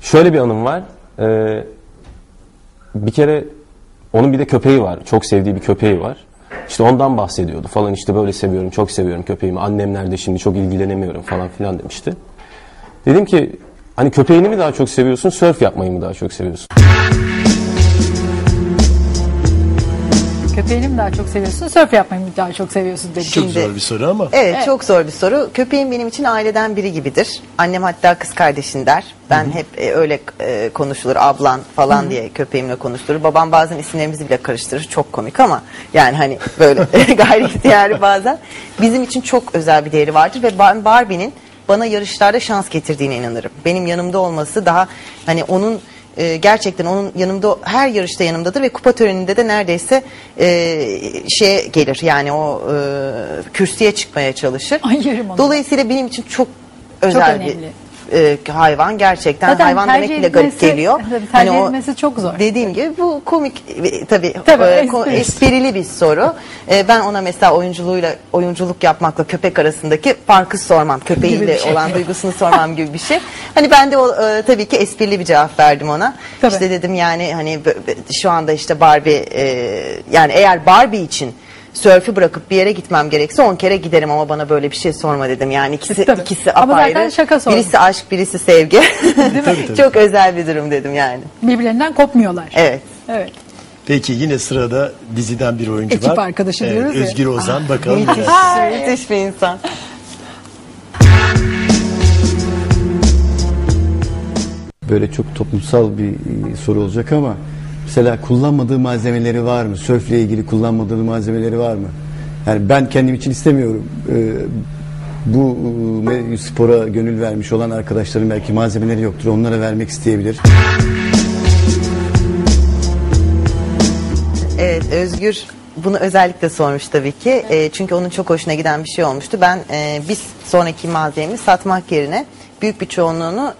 Şöyle bir anım var. Bir kere onun bir de köpeği var. Çok sevdiği bir köpeği var. İşte ondan bahsediyordu falan, işte böyle seviyorum, çok seviyorum köpeğimi. Annem nerede şimdi, çok ilgilenemiyorum falan filan demişti. Dedim ki hani köpeğini mi daha çok seviyorsun, sörf yapmayı mı daha çok seviyorsun? Köpeğini mi daha çok seviyorsun, sörf yapmayı mı daha çok seviyorsun dedi. Çok zor bir soru ama. Evet, çok zor bir soru. Köpeğim benim için aileden biri gibidir. Annem hatta kız kardeşin der. Ben hep öyle konuşulur, ablan falan diye köpeğimle konuşulur. Babam bazen isimlerimizi bile karıştırır. Çok komik ama yani hani böyle gayri ihtiyari bazen. Bizim için çok özel bir değeri vardır ve ben Barbie'nin bana yarışlarda şans getirdiğine inanırım. Benim yanımda olması daha hani onun gerçekten onun yanımda, her yarışta yanımdadır ve kupa töreninde de neredeyse şeye gelir, yani o kürsüye çıkmaya çalışır. Dolayısıyla benim için çok özel bir hayvan gerçekten. Zaten hayvan demek bile garip geliyor. Tercih etmesi çok zor. Dediğim gibi bu komik tabii esprili bir soru. Ben ona mesela oyunculuk yapmakla köpek arasındaki farkı sormam. Köpeğiyle olan duygusunu sormam gibi bir şey. Hani ben de tabii ki esprili bir cevap verdim ona. Tabii. İşte dedim yani hani şu anda işte Barbie yani eğer Barbie için sörfü bırakıp bir yere gitmem gerekse 10 kere giderim ama bana böyle bir şey sorma dedim. Yani ikisi apayrı. Birisi aşk, birisi sevgi. Çok özel bir durum dedim yani. Birbirlerinden kopmuyorlar. Evet. Evet. Peki yine sırada diziden bir oyuncu var. Ekip arkadaşı diyoruz ya. Özgür Ozan, bakalım. Müthiş bir insan. Böyle çok toplumsal bir soru olacak ama mesela kullanmadığı malzemeleri var mı? Sörfle ilgili kullanmadığı malzemeleri var mı? Yani ben kendim için istemiyorum. Bu spora gönül vermiş olan arkadaşların belki malzemeleri yoktur. Onlara vermek isteyebilir. Evet, Özgür bunu özellikle sormuş tabii ki. Çünkü onun çok hoşuna giden bir şey olmuştu. Ben biz sonraki malzememi satmak yerine büyük bir çoğunluğunu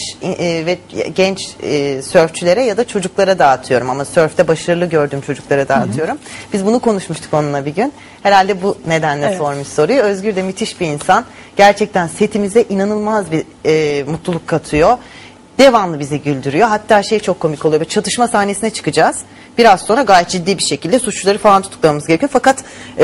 genç sörfçülere ya da çocuklara dağıtıyorum. Ama sörfte başarılı gördüğüm çocuklara dağıtıyorum. Biz bunu konuşmuştuk onunla bir gün. Herhalde bu nedenle sormuş soruyu. Özgür de müthiş bir insan. Gerçekten setimize inanılmaz bir mutluluk katıyor. Devamlı bizi güldürüyor. Hatta şey çok komik oluyor. Çatışma sahnesine çıkacağız. Biraz sonra gayet ciddi bir şekilde suçluları falan tutuklamamız gerekiyor. Fakat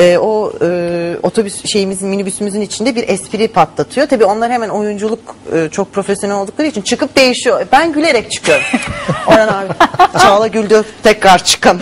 otobüs minibüsümüzün içinde bir espri patlatıyor. Tabii onlar hemen oyunculuk çok profesyonel oldukları için çıkıp değişiyor. Ben gülerek çıkıyorum. Orhan abi Çağla güldü, tekrar çıkın.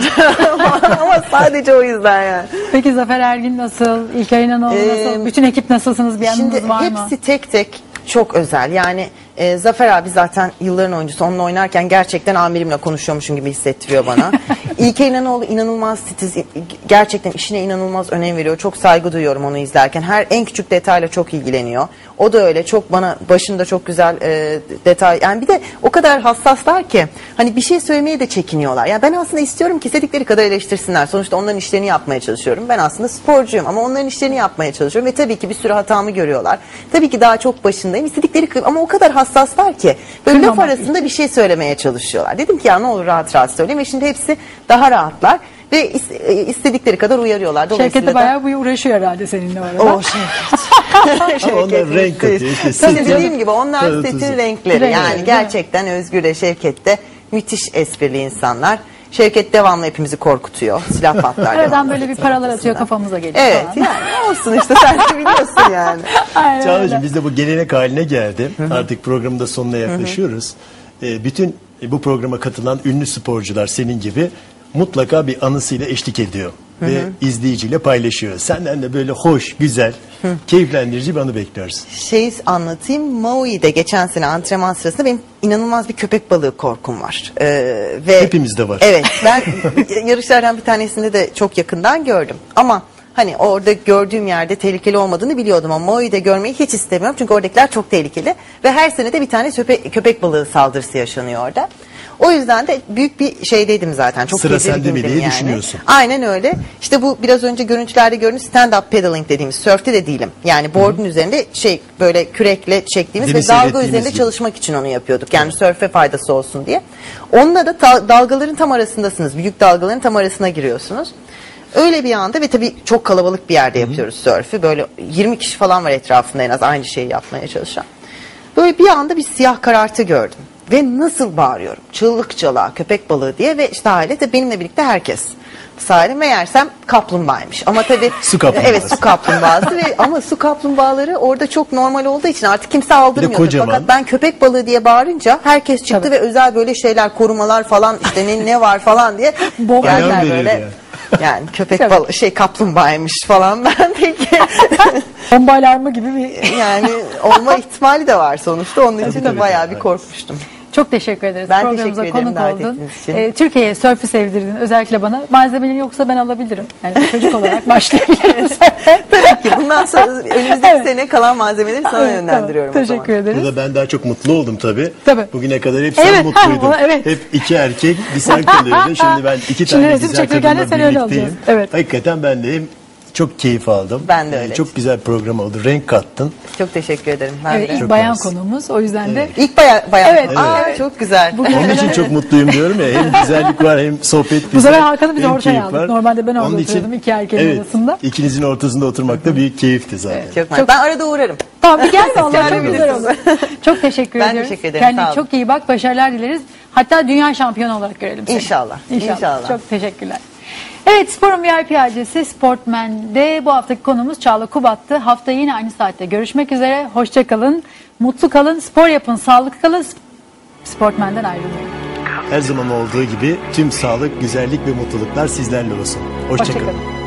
Ama sadece o yüzden yani. Peki Zafer Ergin nasıl? İlkay İnanoğlu nasıl? Bütün ekip nasılsınız? Bir yanınız var mı? Şimdi hepsi tek tek çok özel. Yani Zafer abi zaten yılların oyuncusu. Onunla oynarken gerçekten amirimle konuşuyormuşum gibi hissettiriyor bana. İlkay İnanoğlu inanılmaz titiz. Gerçekten işine inanılmaz önem veriyor. Çok saygı duyuyorum onu izlerken. En küçük detayla çok ilgileniyor. O da öyle. Çok bana başında çok güzel detay. Yani bir de o kadar hassaslar ki hani bir şey söylemeye de çekiniyorlar. Yani ben aslında istiyorum ki istedikleri kadar eleştirsinler. Sonuçta onların işlerini yapmaya çalışıyorum. Ben aslında sporcuyum ama onların işlerini yapmaya çalışıyorum ve tabii ki bir sürü hatamı görüyorlar. Tabii ki daha çok başındayım. İstedikleri ama o kadar hassaslar ki böyle laf arasında bir şey söylemeye çalışıyorlar. Dedim ki ya ne olur rahat rahat söyleyeyim ve şimdi hepsi daha rahatlar ve istedikleri kadar uyarıyorlar. Şevket de bayağı uğraşıyor herhalde seninle orada. O Şevket. Onlar renk katıyor. Tabii dediğim gibi onlar setin renkleri. Yani gerçekten Özgür de Şevket de müthiş esprili insanlar. Şevket devamlı hepimizi korkutuyor. Silah patlar. Aradan böyle bir paralar atıyor, kafamıza geliyor. Evet falan. Yani olsun işte, sen de biliyorsun yani. Çağla'cığım biz de bu gelenek haline geldi. Artık programın da sonuna yaklaşıyoruz. Bütün bu programa katılan ünlü sporcular senin gibi mutlaka bir anısıyla eşlik ediyor. Ve izleyiciyle paylaşıyor. Senden de böyle hoş, güzel, keyiflendirici bir anı bekliyoruz. Anlatayım. Maui'de geçen sene antrenman sırasında benim inanılmaz bir köpek balığı korkum var. Ve hepimizde var. Evet. Ben yarışlardan bir tanesinde de çok yakından gördüm. Ama hani orada gördüğüm yerde tehlikeli olmadığını biliyordum ama Maui'de görmeyi hiç istemiyorum. Çünkü oradakiler çok tehlikeli. Ve her sene de bir tane köpek balığı saldırısı yaşanıyor orada. O yüzden de büyük bir şeydeydim zaten. Çok sıra sende mi diye yani düşünüyorsun. Aynen öyle. İşte bu biraz önce görüntülerde gördüğünüz stand-up paddling dediğimiz, sörfte de değilim. Yani board'un üzerinde böyle kürekle çektiğimiz ve dalga üzerinde gibi çalışmak için onu yapıyorduk. Yani sörfe faydası olsun diye. Onunla da dalgaların tam arasındasınız. Büyük dalgaların tam arasına giriyorsunuz. Öyle bir anda ve tabii çok kalabalık bir yerde yapıyoruz sörfü. Böyle 20 kişi falan var etrafında en az aynı şeyi yapmaya çalışan. Böyle bir anda bir siyah karartı gördüm. Ve nasıl bağırıyorum? Çığlık çığlığa köpek balığı diye ve işte aile de benimle birlikte herkes. Sahile meğersem kaplumbağaymış. Ama tabii Su kaplumbağası. evet, su kaplumbağası ve ama su kaplumbağaları orada çok normal olduğu için artık kimse aldırmıyordu. kocaman. Fakat ben köpek balığı diye bağırınca herkes çıktı Tabii. ve özel böyle şeyler, korumalar falan işte ne var falan diye Bol geldiler ayağım böyle. verirdi Yani köpek Tabii. balığı kaplumbağaymış falan, ben peki Bomba alarmı gibi bir... yani olma ihtimali de var sonuçta, onun için de bayağı bir korkmuştum. Çok teşekkür ederiz. Ben Programımıza teşekkür ederim konuk davet oldun. ettiğiniz için. Türkiye'ye sörfü sevdirdin. Özellikle bana. Malzemeleri yoksa ben alabilirim. Yani çocuk olarak başlayabiliriz. Tabii ki bundan sonra önümüzdeki Evet. sene kalan malzemeleri sana Evet, yönlendiriyorum tamam. o zaman. Teşekkür ederiz. Burada ben daha çok mutlu oldum tabii. Tabii. Bugüne kadar hep sen Evet, mutluydun. ha, evet. Hep iki erkek, bir sen kalıyordun. Şimdi ben iki Şimdi tane resim güzel çekirgen de kadınla sen öyle birlikteyim. olacaksın. Evet. Hakikaten ben de hem çok keyif aldım. Ben de öyle. Çok güzel bir program oldu. Renk kattın. Çok teşekkür ederim. Ben Evet, de. ilk Çok bayan mersi. konuğumuz. O yüzden de İlk bayan. Evet. Aa, Evet. çok güzel. Onun için çok mutluyum diyorum ya. Hem güzellik var hem sohbet güzel. bu sefer Hakan'ı biz hem ortaya keyif aldık. var. Normalde ben orada Onun için- oturuyordum iki erkeğin arasında. İkinizin ortasında oturmak da büyük keyifti zaten. Çok ben arada uğrarım. Tamam, bir gel vallahi çok Gelebilirsiniz. güzel olur. Çok teşekkür Ben ediyoruz. teşekkür ederim, Kendine sağ olun. çok iyi bak. Başarılar dileriz. Hatta dünya şampiyonu olarak görelim seni. İnşallah, inşallah. Çok teşekkürler. Evet, Spor'un VIP adresi Sportmen'de bu haftaki konumuz Çağla Kubat'tı. Hafta yine aynı saatte görüşmek üzere. Hoşça kalın, mutlu kalın, spor yapın, sağlıklı kalın. Sportmen'den ayrılmayın. Her zaman olduğu gibi tüm sağlık, güzellik ve mutluluklar sizlerle olsun. Hoşça Hoşça kalın. kalın.